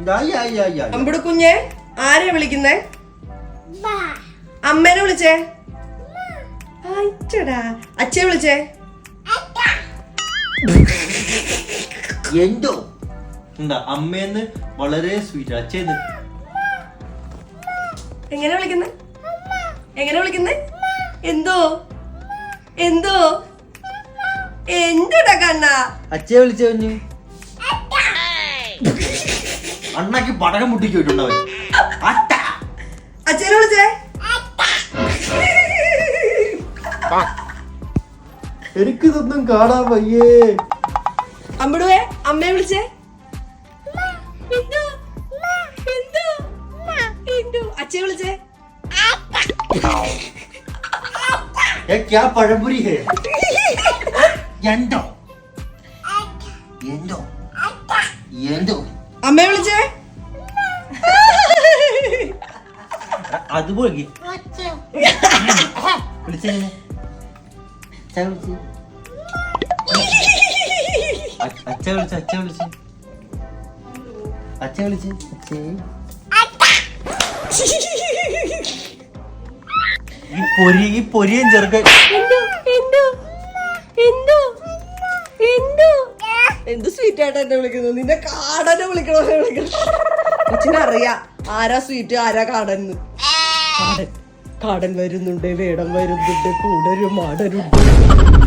അമ്പുടു കുഞ്ഞെ ആരെയാ വിളിക്കുന്നേ? അമ്മേനെ വിളിച്ചേ. അച്ഛയെ വിളിച്ചേ. എന്തോ എന്താ അമ്മേന്ന് വളരെ സ്വീറ്റ്. അച്ഛന്ന് എങ്ങനെ വിളിക്കുന്നേ? എങ്ങനെ വിളിക്കുന്നേ? എന്തോ എന്തോ എന്തുടാ കണ്ണ? അച്ഛയെ വിളിച്ചേ കുഞ്ഞ്. അണ്ണാക്കി പടകം മുട്ടിക്ക് പോയിട്ടുണ്ടാവും. അച്ഛനെ വിളിച്ചേ. എനിക്കിതൊന്നും കാണാൻ വയ്യേ. അമ്പടുവേ അമ്മയെ വിളിച്ചേ. അച്ഛയെ വിളിച്ചേ. क्या പഴംപുരി है? എന്തോ എന്തോ എന്തോ അമ്മയെ വിളിച്ചേ. അതുപോലെ വിളിച്ചേ. അച്ഛ വിളിച്ച അച്ഛ വിളിച്ച അച്ഛ വിളിച്ച ഈ പൊരിയും ചെറുക്ക എന്ത് സ്വീറ്റ് ആയിട്ട് എന്നെ വിളിക്കുന്നു? നിന്റെ കാടനെ വിളിക്കണോ? അച്ഛനറിയാം ആരാ സ്വീറ്റ് ആരാ കാടന്ന്. കാടൻ വരുന്നുണ്ട്, വേടം വരുന്നുണ്ട്, കൂടൊരു മാടനുണ്ട്.